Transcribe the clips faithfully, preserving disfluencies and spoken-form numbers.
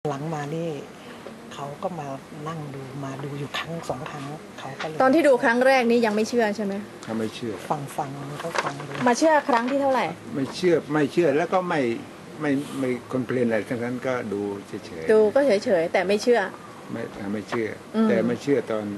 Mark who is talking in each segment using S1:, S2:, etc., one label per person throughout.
S1: หลังมานี่เขาก็มานั่งดูมาดูอยู่ครั้งสองครั้งเขาก็เลย
S2: ตอนที่ดูครั้งแรกนี้ยังไม่เชื่อใช่ไหม
S3: เขาไม่เชื่อ
S1: ฟังฟังเขาฟังดู
S2: มาเชื่อครั้งที่เท่าไหร่
S3: ไม่เชื่อไม่เชื่อแล้วก็ไม่ไม่ไม่คอนเพลนอะไรทั้งนั้นก็ดูเฉยๆ
S2: ดูก็เฉยๆแต่ไม่เชื่อ
S3: ไม่ไม่เชื่อแต่ไม่เชื่อตอน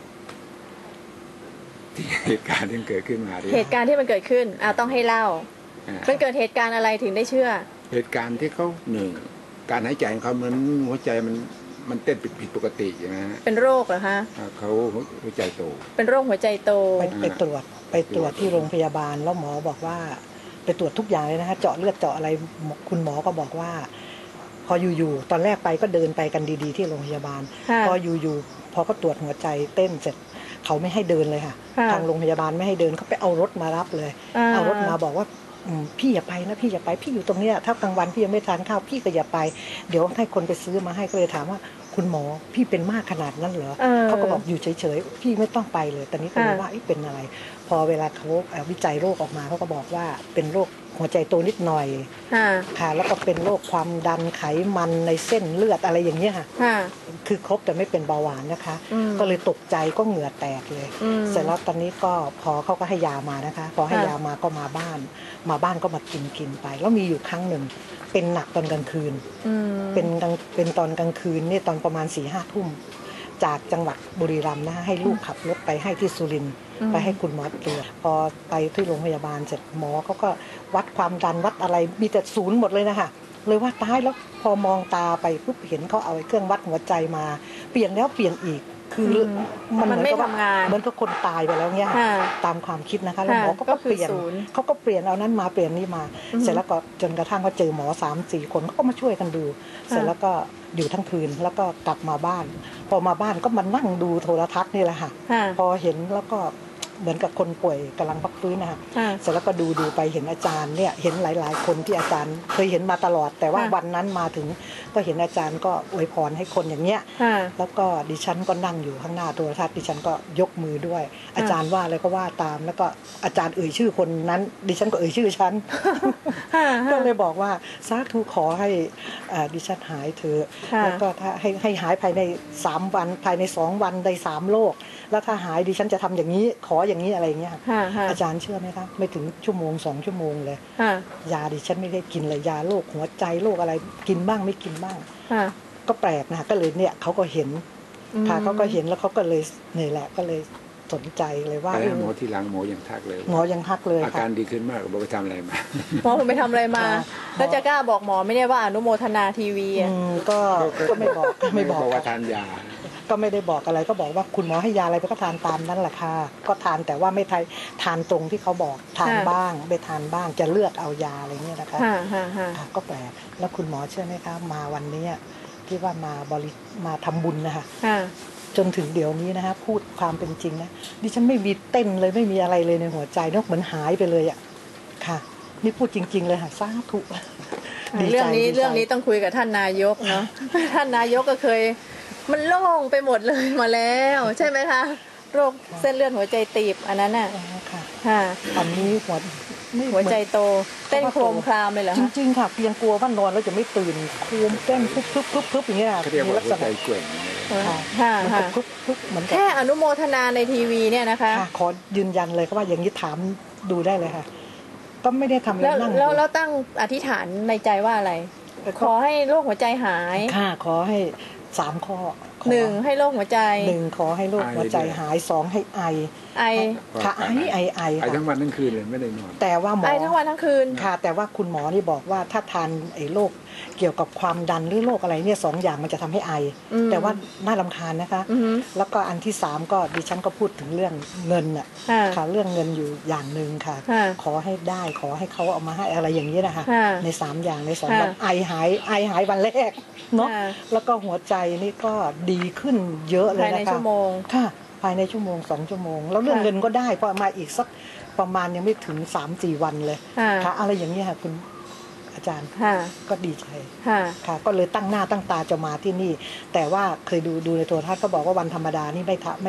S3: ที่เหตุการณ์ที่เกิดขึ้นมา
S2: เหตุการณ์ที่มันเกิดขึ้นอ่าต้องให้เล่ามันเกิดเหตุการณ์อะไรถึงได้เชื่อ
S3: เหตุการณ์ที่เขาหนึ่งการหายใจของเขาเหมือนหัวใจมันมันเต้นผิดผิดปกติอย่างนั้น
S2: เป็นโรคเหรอคะ
S3: เขาหัวใจโต
S2: เป็นโรคหัวใจโต
S1: ไปไปตรวจไปตรวจที่โรงพยาบาลแล้วหมอบอกว่าไปตรวจทุกอย่างเลยนะคะเจาะเลือดเจาะอะไรคุณหมอก็บอกว่าพออยู่ๆตอนแรกไปก็เดินไปกันดีๆที่โรงพยาบาลพออยู่ๆพอก็ตรวจหัวใจเต้นเสร็จเขาไม่ให้เดินเลยค่ะทางโรงพยาบาลไม่ให้เดินเขาไปเอารถมารับเลยเอารถมาบอกว่าพี่อย่าไปนะพี่อย่าไปพี่อยู่ตรงนี้ถ้ากลางวันพี่ยังไม่ทานข้าวพี่ก็อย่าไปเดี๋ยวให้คนไปซื้อมาให้ก็เลยถามว่าคุณหมอพี่เป็นมากขนาดนั้นเหรอเขาก็บอกอยู่เฉยๆพี่ไม่ต้องไปเลยตอนนี้ก็เลยว่าเป็นอะไรพอเวลาเขาวิจัยโรคออกมาเขาก็บอกว่าเป็นโรคหัวใจโตนิดหน่อยค่ะแล้วก็เป็นโรคความดันไขมันในเส้นเลือดอะไรอย่างเงี้ยค่ะคือครบแต่ไม่เป็นเบาหวานนะคะก็เลยตกใจก็เหงื่อแตกเลยเสร็จแล้วตอนนี้ก็พอเขาก็ให้ยามานะคะพอให้ยามาก็มาบ้านมาบ้านก็มากินกินไปแล้วมีอยู่ครั้งหนึ่งเป็นหนักตอนกลางคืนเป็นเป็นตอนกลางคืนนี่ตอนประมาณสี่ห้าทุ่มจากจังหวัดบุรีรัมย์นะให้ลูกขับรถไปให้ที่สุรินทร์ไปให้คุณหมอตรวจพอไปที่โรงพยาบาลเสร็จหมอเขาก็วัดความดันวัดอะไรมีแต่ศูนย์หมดเลยนะคะเลยว่าตายแล้วพอมองตาไปปุ๊บเห็นเขาเอาเครื่องวัดหัวใจมาเปลี่ยนแล้วเปลี่ยนอีกคือ
S2: มันเหมือนกับ
S1: เหมือนกับคนตายไปแล้วเนี่ยตามความคิดนะคะแล้วหมอก็เปลี่ยนเขาก็เปลี่ยนเอานั้นมาเปลี่ยนนี่มาเสร็จแล้วก็จนกระทั่งเขาเจอหมอสามสี่คนเขาก็มาช่วยกันดูเสร็จแล้วก็อยู่ทั้งคืนแล้วก็กลับมาบ้านพอมาบ้านก็มานั่งดูโทรทัศน์นี่แหละค่ะพอเห็นแล้วก็เหมือนกับคนป่วยกำลังพักฟื้นนะคะเสร็จแล้วก็ดูดูไปเห็นอาจารย์เนี่ยเห็นหลายๆคนที่อาจารย์เคยเห็นมาตลอดแต่ว่าวันนั้นมาถึงก็เห็นอาจารย์ก็อวยพรให้คนอย่างเงี้ยแล้วก็ดิฉันก็นั่งอยู่ข้างหน้าโทรทัศน์ดิฉันก็ยกมือด้วยอาจารย์ว่าอะไรก็ว่าตามแล้วก็อาจารย์เอ่ยชื่อคนนั้นดิฉันก็เอ่ยชื่อฉันก็เลยบอกว่าสาธุขอให้ดิฉันหายเถอะแล้วก็ถ้าให้ให้หายภายในสามวันภายในสองวันได้สามโรคแล้วถ้าหายดิฉันจะทำอย่างนี้ขออย่างนี้อะไรเงี้ยอาจารย์เชื่อไหมคะไม่ถึงชั่วโมงสองชั่วโมงเลยยาดิฉันไม่ได้กินเลยยาโรคหัวใจโรคอะไรกินบ้างไม่กินบ้างก็แปลกนะก็เลยเนี่ยเขาก็เห็นค่ะเขาก็เห็นแล้วเขาก็เลยนี่แหละก็เลยสนใจเลยว่า
S3: หมอที่หลังหมอยังทักเลย
S1: หมอยังทักเลย
S3: อาการดีขึ้นมากบอกไปทำอะไรมา
S2: หมอไปทำอะไรมาแล้วจะกล้าบอกหมอไม่ได้ว่าอนุโมทนาทีวีอ่ะ
S1: ก็ก็ไม่บอกไม่บอก
S3: ว่าทานยา
S1: ก็ไม่ได้บอกอะไรก็บอกว่าคุณหมอให้ยาอะไรไปก็ทานตามนั้นแหละค่ะก็ทานแต่ว่าไม่ทานตรงที่เขาบอกทานบ้างไปทานบ้างจะเลือกเอายาอะไรเงี้ยนะคะก็แปลกแล้วคุณหมอเชื่อไหมคะมาวันนี้ที่ว่ามาบริมาทำบุญนะคะจนถึงเดี๋ยวนี้นะคะพูดความเป็นจริงนะดิฉันไม่มีเต้นเลยไม่มีอะไรเลยในหัวใจนกเหมือนหายไปเลยอ่ะค่ะนี่พูดจริงๆเลยค่ะสาธุ
S2: เรื่องนี้เรื่องนี้ต้องคุยกับท่านนายกเนาะท่านนายกก็เคยมันโล่งไปหมดเลยมาแล้วใช่ไหมคะโรคเส้นเลือดหัวใจตีบอันนั้นน่ะ
S1: ค่ะค่ะอันนี้หัว
S2: หัวใจโตเต้นโครมครามเลยเหรอ
S1: จริงๆค่ะเพียงกลัวว่านอนแล้วจะไม่ตื่นโครมเต้นปุ๊บปุ๊บปุ๊บปุ๊บอย่างเงี้ย
S3: มีลักษณะใจเกร็ง
S2: ค่ะค่ะแค่อนุโมทนาในทีวีเนี่ยนะคะ
S1: ขอยืนยันเลยว่าอย่างนี้ถามดูได้เลยค่ะก็ไม่ได้ทำอะไรนั่ง
S2: แล้วแล้วตั้งอธิษฐานในใจว่าอะไรขอให้โรคหัวใจหาย
S1: ค่ะขอให้สามข้อ
S2: หนึ่งให้โรคหัวใจ
S1: หนึ่งขอให้โรคหัวใจหายสองให้ไอ
S2: ไอ
S1: ค่ะไอไอไอ
S3: ไอทั้งวันทั้งคืนเลยไม่ได้นอน
S1: แต่ว่าหมอ
S2: ไอทั้งวันทั้งคืน
S1: ค่ะแต่ว่าคุณหมอนี่บอกว่าถ้าทานไอโรคเกี่ยวกับความดันหรือโรคอะไรเนี่ยสองอย่างมันจะทำให้ไอแต่ว่าน่ารำคาญนะคะแล้วก็อันที่สามก็ดิฉันก็พูดถึงเรื่องเงินอ่ะค่ะเรื่องเงินอยู่อย่างหนึ่งค่ะขอให้ได้ขอให้เขาเอามาให้อะไรอย่างนี้นะคะในสามอย่างในสองวันไอหายไอหายวันแรกเนาะแล้วก็หัวใจนี่ก็ดีขึ้นเยอะเลยนะคะภายใน
S2: ชั่วโมง
S1: ค่ะภายในชั่วโมงสองชั่วโมงแล้วเรื่องเงินก็ได้พอมาอีกสักประมาณยังไม่ถึงสามสี่วันเลยค่ะอะไรอย่างนี้ค่ะคุณอาจารย์ก็ดีใจค่ะก็เลยตั้งหน้าตั้งตาจะมาที่นี่แต่ว่าเคยดูดูในโทรทัศน์ก็บอกว่าวันธรรมดานี่ไม่ไม่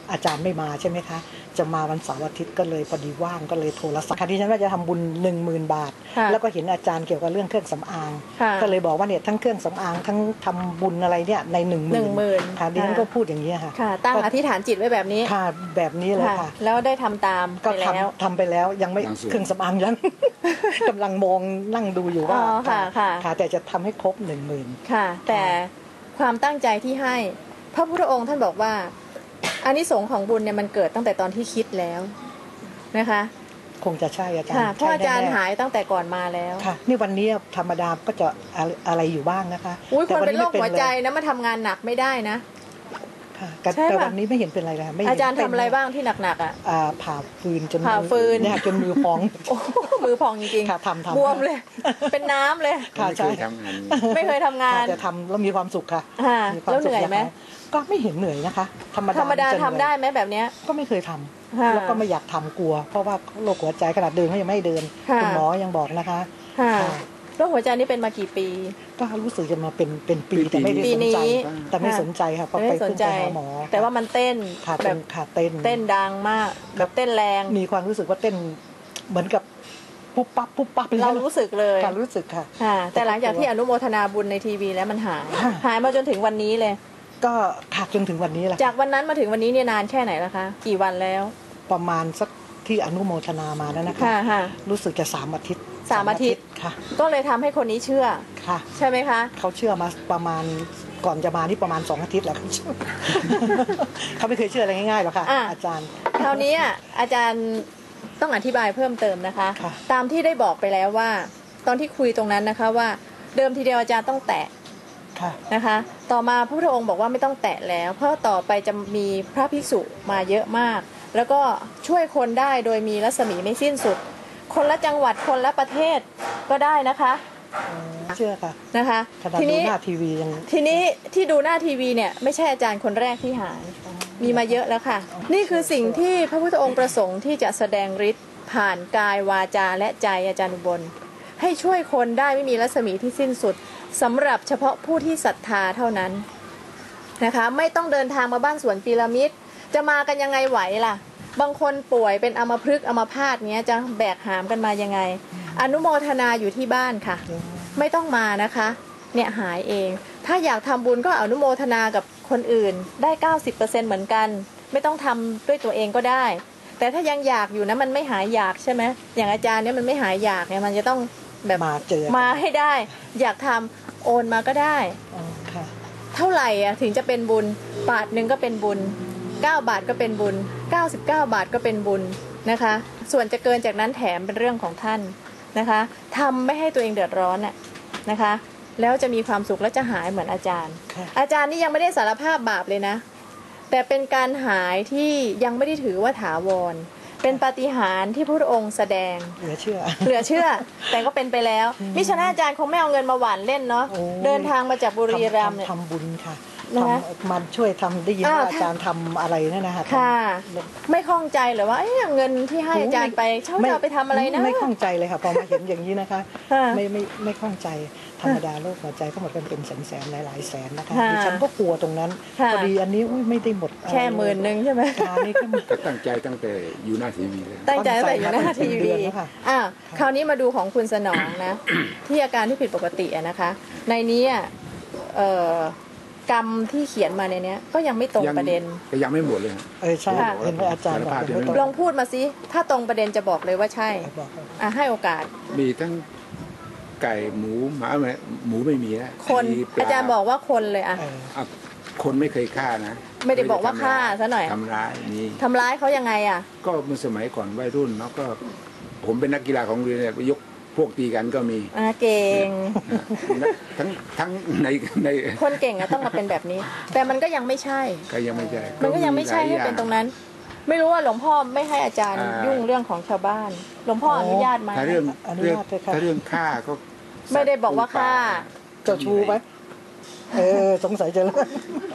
S1: อาจารย์ไม่มาใช่ไหมคะจะมาวันเสาร์อาทิตย์ก็เลยพอดีว่างก็เลยโทรศัพท์ค่ะที่ฉันว่าจะทำบุญหนึ่งหมื่นบาท
S2: ค่ะ
S1: แล้วก็เห็นอาจารย์เกี่ยวกับเรื่องเครื่องสำอาง
S2: ค่ะ
S1: ก็เลยบอกว่าเนี่ยทั้งเครื่องสำอางทั้งทำบุญอะไรเนี่ยในหนึ่งห
S2: ห
S1: มื่
S2: นึ่งหมื่น
S1: ค่ะดิฉันก็พูดอย่างนี้ยค่ะ
S2: ค่ะ ตั้งอธิษฐานจิตไว้แบบนี้
S1: ค่ะแบบนี้เลยค่ะ
S2: แล้วได้ทำตาม
S1: ก็
S2: ไปแล้ว
S1: ทำทำไปแล้วยังไม่
S3: บางส่วน
S1: เครื่องสำอางยัง กำลังมองนั่งดูอยู่ว่า
S2: อ๋อค่ะค่ะ
S1: ค่ะแต่จะทำให้ครบหนึ่งหมื่น
S2: ค่ะ แต่ความตั้งใจที่ให้พระพุทธองค์ท่านบอกว่าอานิสงส์ของบุญเนี่ยมันเกิดตั้งแต่ตอนที่คิดแล้วนะคะ
S1: คงจะใช่อาจารย์
S2: ค่ะเพราะอาจารย์
S1: ใช่แน่ๆ
S2: หายตั้งแต่ก่อนมาแล้ว
S1: ค่ะ นี่วันนี้ธรรมดาก็จะอะไรอะไรอยู่บ้างนะคะ
S2: อุ้ย
S1: แต่
S2: คนเป็นโรค
S1: ไม่
S2: หัวใจ
S1: เลย
S2: นะมาทำงานหนักไม่ได้นะ
S1: ค่ะแต่
S2: ใช่ปะ
S1: แต่วันนี้ไม่เห็นเป็นไรเลยค่ะไม่เห็น
S2: อาจารย์ทำ
S1: เป็น
S2: อะไรบ้างที่หนักๆอ่ะ
S1: อ่าผ่าฟืนจน
S2: ผ่าฟืน
S1: เนี่ยจนมือพอง
S2: โอ้มือพองจริง
S1: ค่ะทำทำ
S2: บวมเลย เป็นน้ำเลย
S1: ค่ะ
S3: ไม่
S1: ใช่
S3: เคยทำงาน
S2: ไม่เคยทำงาน
S1: ค่ะแต่ทำแล้วมีความสุขค่ะ
S2: ค่ะ
S1: มีความ
S2: แล้ว
S1: สุ
S2: เห
S1: ข
S2: นื่อยไหม
S1: างก็ไม่เห็นเหนื่อยนะคะ ธรรมดา
S2: ธรรมดา
S1: จะเหนื่อย
S2: ทำได้ไหมแบบเนี้ย
S1: ก็ไม่เคยทำ
S2: ค่ะ
S1: แล้วก็ไม่อยากทำกลัว เพราะว่าโรคหัวใจขนาดเดินก็ยังไม่ให้เดิน
S2: ค่ะ
S1: คุณหมอยังบอกนะคะ
S2: ค่ะ
S1: ค่ะ
S2: โรคหัวใจนี่เป็นมากี่ปี
S1: ก็รู้สึกจะมาเป็นเป็นปีแต่ไม่ได้
S2: ปี
S1: สน
S2: นี้
S1: ใจ แต่ไม่สนใจค่ะเพราะ
S2: ไม่
S1: ไป
S2: ได้สน
S1: เพิ่ง
S2: ใจ
S1: ไปหาหมอ
S2: แต่ว่ามันเต้น
S1: ค่ะ
S2: แบ
S1: เต้
S2: บ
S1: นค่ะเต้น
S2: เต้นดังมาก แบบเต้นแรง
S1: มีความรู้สึกว่าเต้นเหมือนกับปุ๊บปั๊บปุ๊บปั๊บ
S2: เรารู้สึกเลย
S1: การรู้สึกค่ะ
S2: ค่ะ แต่หลังจากที่อนุโมทนาบุญในทีวีแล้วมันหาย
S1: ค่ะ
S2: หายมาจนถึงวันนี้เลย
S1: ก็ขาดจนถึงวันนี้แหละ
S2: จากวันนั้นมาถึงวันนี้เนี่ยนานแค่ไหนแล้วคะ กี่วันแล้ว
S1: ประมาณสักที่อนุโมทนามาแล้วนะคะ
S2: ค่ะค่ะ
S1: รู้สึกจะสามอาทิตย์
S2: สามอาทิตย์
S1: ค่ะ
S2: ก็เลยทำให้คนนี้เชื่อ
S1: ค่ะ
S2: ใช่ไหมคะ
S1: เขาเชื่อมาประมาณก่อนจะมานี่ประมาณสองอาทิตย์แล้ว เขาไม่เคยเชื่ออะไรง่ายๆหรอกค่ะ
S2: อ่ะ
S1: อาจารย์
S2: คราวนี้อ่ะอาจารย์ต้องอธิบายเพิ่มเติมนะคะ
S1: ค่ะ
S2: ตามที่ได้บอกไปแล้วว่า ตอนที่คุยตรงนั้นนะคะว่า เดิมทีเดียวอาจารย์ต้องแตะ
S1: ค่ะ
S2: นะคะ ต่อมาพระพุทธองค์บอกว่าไม่ต้องแตะแล้ว เพราะต่อไปจะมีพระภิกษุมาเยอะมาก แล้วก็ช่วยคนได้โดยมีรัศมีไม่สิ้นสุด คนละจังหวัดคนละประเทศก็ได้นะคะ
S1: เชื่อค่ะ
S2: นะคะ
S1: ขนาด
S2: ที
S1: ดู
S2: นี้
S1: หน้าทีวียัง
S2: ทีนี้ที่ดูหน้าทีวีเนี่ยไม่ใช่อาจารย์คนแรกที่หาย มีมาเยอะแล้วค่ะ นี่คือสิ่งที่พระพุทธองค์ประสงค์ที่จะแสดงฤทธิ์ผ่านกายวาจาและใจอาจารย์อุบล ให้ช่วยคนได้ไม่มีรัศมีที่สิ้นสุดสำหรับเฉพาะผู้ที่ศรัทธาเท่านั้นนะคะไม่ต้องเดินทางมาบ้านสวนพีระมิดจะมากันยังไงไหวล่ะ บางคนป่วยเป็นอัมพฤกษ์อัมพาตเนี้ยจะแบกหามกันมายังไง อนุโมทนาอยู่ที่บ้านค่ะ ไม่ต้องมานะคะเนี่ยหายเอง ถ้าอยากทำบุญก็อนุโมทนากับคนอื่นได้ เก้าสิบเปอร์เซ็นต์ เหมือนกัน ไม่ต้องทำด้วยตัวเองก็ได้ แต่ถ้ายังอยากอยู่นะมันไม่หายอยากใช่ไหมอย่างอาจารย์เนี่ยมันไม่หายอยากเนี่ยมันจะต้องแบบ
S1: มาเจอ
S2: มาให้ได้ อยากทำโอนมาก็ได้
S1: อ๋อค่ะ
S2: เท่าไหร่อ่ะถึงจะเป็นบุญบาทหนึ่งก็เป็นบุญเก้าบาทก็เป็นบุญเก้าสิบเก้าบาทก็เป็นบุญนะคะ ส่วนจะเกินจากนั้นแถมเป็นเรื่องของท่านนะคะทำไม่ให้ตัวเองเดือดร้อนน่ะนะคะ แล้วจะมีความสุขและจะหายเหมือนอาจารย์
S1: ค่ะ
S2: อาจารย์นี่ยังไม่ได้สารภาพบาปเลยนะ แต่เป็นการหายที่ยังไม่ได้ถือว่าถาวร เป็นปาฏิหาริย์ที่พระพุทธองค์แสดง
S1: เหลือเชื่อ
S2: เหลือเชื่อ แต่ก็เป็นไปแล้วมิฉะนั้นอาจารย์คงไม่เอาเงินมาหวานเล่นเนาะ
S1: โอ้ย
S2: เดินทางมาจากบุรีรัมย์เนี่ย
S1: ทำทำบุญค่ะ
S2: นะคะ
S1: ทำมันช่วยทำได้ยิน
S2: อ้าว
S1: ว่าอาจารย์ทำอะไรนั่นนะคะ
S2: ค่ะ
S1: ทำ
S2: ไม่ข้องใจเหรือว่าเอ๊ะเงินที่ให้อาจารย์ไปเช่าจะเอาไปทำอะไรนะ
S1: ไม่ข้องใจเลยค่ะพอมาเห็นอย่างนี้นะคะ
S2: ค่ะ
S1: ไม่ไม่ไม่ข้องใจธรรมดาโรคหัวใจก็หมดกันเป็นแสนแสนหลายหลายๆแสนนะคะ
S2: ค่ะ
S1: ดิฉันก็กลัวตรงนั้น
S2: ค่ะ
S1: พอดีอันนี้อุ้ยไม่ได้หมดอะไร
S2: แค่หมื่นหนึ่งใช่ไหม
S1: การนี่ก็
S3: ก็ตั้งใจตั้งแต่อยู่หน้าทีวีเลย
S2: ตั้งใจตั้งแต่อยู่หน้าที
S1: เดื
S2: วี
S1: อนแล้วค่ะ
S2: อ่ะคราวนี้มาดูของคุณสนองนะ ที่อาการที่ผิดปกติอะนะคะ ในนี้อ่ะเอ่อกรรมที่เขียนมาในเนี้ยก็ยังไม่ตรงประเด็น
S3: ก็ยังไม่หมดเลยฮะ
S1: เออใช่
S2: ค่ะ
S1: เห็นว่าอาจารย์บอกยังไม่ตรง
S2: ลองพูดมาสิถ้าตรงประเด็นจะบอกเลยว่าใช่
S1: บอกเลย
S2: อ่ะให้โอกาส
S3: มีทั้งไก่หมูหมาไม่หมูไม่มีนะ
S2: คน
S3: มีปล
S2: อาจารย์บอกว่าคนเลยอ่ะ
S1: เออ
S3: อ่ะคนไม่เคยฆ่านะ
S2: ไม่ได้บอกว่าฆ่าซะหน่อย
S3: ทำร้ายมี
S2: ทำร้ายเขายังไงอ่ะ
S3: ก็เมื่อสมัยก่อนวัยรุ่นเนาะก็ผมเป็นนักกีฬาของโรงเรียนเนี่ยไปยกพวกตีกันก็มี
S2: อ่ะเก่ง
S3: ทั้งทั้งในใน
S2: คนเก่งอะต้องมาเป็นแบบนี้ แต่มันก็ยังไม่ใช่
S3: ก็ยังไม่ใช่
S2: มันก็ยังไม่ใช่ให้เป็นตรงนั้น ไม่รู้ว่าหลวงพ่อไม่ให้อาจารย์
S3: อ่ายุ่
S2: ยุ่งเรื่องของชาวบ้าน หลวงพ่ออนุญาตไหม
S3: ถ้าเรื่อง
S1: อนุ
S3: เรื่อง
S1: ญาตเลยค่ะ
S3: ถ้าเรื่องฆ่าก็
S2: ไม่ได้บอกว่าฆ่า
S1: เจ้าชู้ไหมเออสงสัยจะเลิก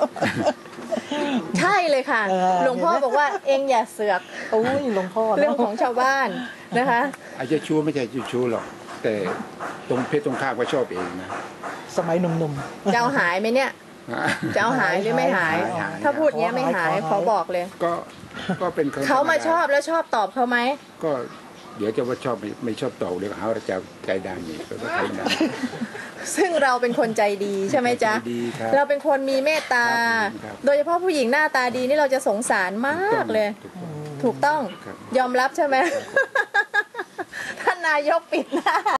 S2: ใช่เลยค่ะ
S1: เออ
S2: หลวงพ่อบอกว่าเองอย่าเสือก
S1: โอ้ยหลวงพ่อ
S2: เรื่องของชาวบ้านนะคะ
S3: อาจจะชู้ไม่ใช่ชู้หรอก แต่ตรงเพศตรงข้ามก็ชอบเองนะ
S1: สมัยหนุ่มๆ
S2: จะเอาหายไหมเนี่ยจะเอาหายหรือไม่หาย
S3: หายหาย
S2: ถ้าพูดเงี้ยไม่หายขอบอกเลย
S3: ก็ก็เป็นคน
S2: เขามา
S3: ธรรด
S2: ชอบแล้วชอบตอบเขาไหม
S3: ก็เดี๋ยวจะว่าชอบไม่ไม่ชอบต่อเดี๋ยวหาว่าจะใจดำนี่ก็ใจดำ
S2: ซึ่งเราเป็นคนใจดีใช่ไหมจ๊ะ
S3: ใจดีครับ
S2: เราเป็นคนมีเมตตา
S3: ครับ
S2: โดยเฉพาะผู้หญิงหน้าตาดีนี่เราจะสงสารมากเลย
S3: ถูกต้อง
S2: ถูกต้อง
S3: ครับ
S2: ยอมรับใช่ไหม ท่านนายกปิดหน้า